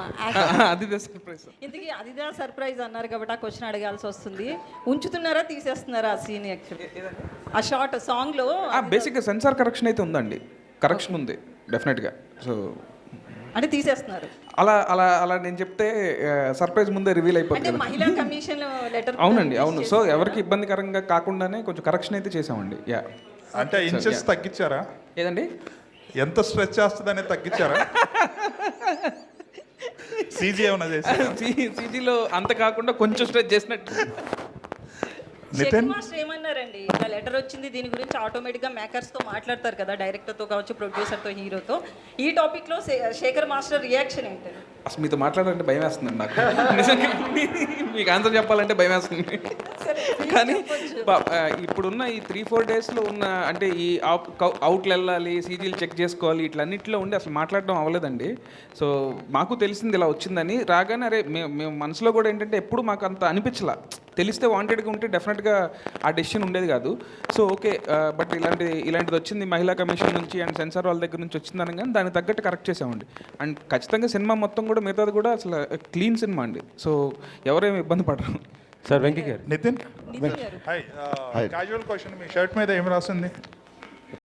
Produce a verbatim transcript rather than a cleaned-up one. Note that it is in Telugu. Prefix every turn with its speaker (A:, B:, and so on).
A: అది సర్ప్రైజ్.
B: ఇంతకీ అదిదా సర్ప్రైజ్ అన్నారు కాబట్టి ఆ క్వశ్చన్ అడగాల్సి వస్తుంది. ఉంచుతున్నారా తీసేస్తున్నారా ఆ సీన్? యాక్చువల్లీ ఆ షార్ట్ సాంగ్లో
A: బేసిక్గా సెన్సార్ కరెక్షన్ అయితే ఉందండి, కరెక్షన్ ఉంది డెఫినెట్గా. సో
B: అంటే తీసేస్తున్నారు.
A: అలా అలా అలా నేను చెప్తే సర్ప్రైజ్ ముందే రివీల్
B: అంటే
A: అయిపోతుంది.
B: మహిళా కమిషన్ లెటర్
A: అవునండి, అవును. సో ఎవరికి ఇబ్బందికరంగా కాకుండానే కొంచెం కరెక్షన్ అయితే చేసామండి. యా.
C: అంటే ఇంచెస్ తగ్గించారా?
A: ఏదండి?
C: ఎంత స్ట్రెచ్ చేస్తుందనే తగ్గించారా? సీజీ ఏమన్నా చేశారా?
A: సీజీలో అంత కాకుండా కొంచెం స్ట్రెచ్ చేసినట్టు.
C: నితిన్
B: మాస్టర్ ఏమన్నారండి? ఇట్లా లెటర్ వచ్చింది, దీని గురించి ఆటోమేటిక్గా మేకర్స్తో మాట్లాడతారు కదా, డైరెక్టర్తో కావచ్చు, ప్రొడ్యూసర్తో, హీరోతో. ఈ టాపిక్లో శేఖర్ మాస్టర్ రియాక్షన్ ఏంటి?
A: అసలు మీతో మాట్లాడాలంటే భయం వేస్తుందండి నాకు. నిజంగా మీకు ఆన్సర్ చెప్పాలంటే భయం వేస్తుంది. కానీ పా- ఆ, ఇప్పుడున్న ఈ త్రీ ఫోర్ డేస్లో ఉన్న అంటే ఈ అవుట్లు వెళ్ళాలి, సీజీలు చెక్ చేసుకోవాలి, ఇట్లన్నింటిలో ఉండి అసలు మాట్లాడడం అవ్వలేదండి. సో మాకు తెలిసింది ఇలా వచ్చిందని. రాగానే అరే మేము మేము మనసులో కూడా ఏంటంటే ఎప్పుడు మాకు అంత అనిపించలా. తెలిస్తే వాంటెడ్గా ఉంటే డెఫినెట్గా ఆ డెసిషన్ ఉండేది కాదు. సో ఓకే, బట్ ఇలాంటి ఇలాంటిది వచ్చింది మహిళా కమిషన్ నుంచి అండ్ సెన్సార్ వాళ్ళ దగ్గర నుంచి వచ్చిందని కానీ దానికి తగ్గట్టు కరెక్ట్ చేసామండి. అండ్ ఖచ్చితంగా సినిమా మొత్తం కూడా మిగతాది కూడా అసలు క్లీన్ సినిమా అండి. సో ఎవరేమి ఇబ్బంది పడరు.
D: Sir Venky garu.
C: Nithin
B: Nithin garu
C: hi. Casual question, మీ షర్ట్ మీద ఏం రాసింది?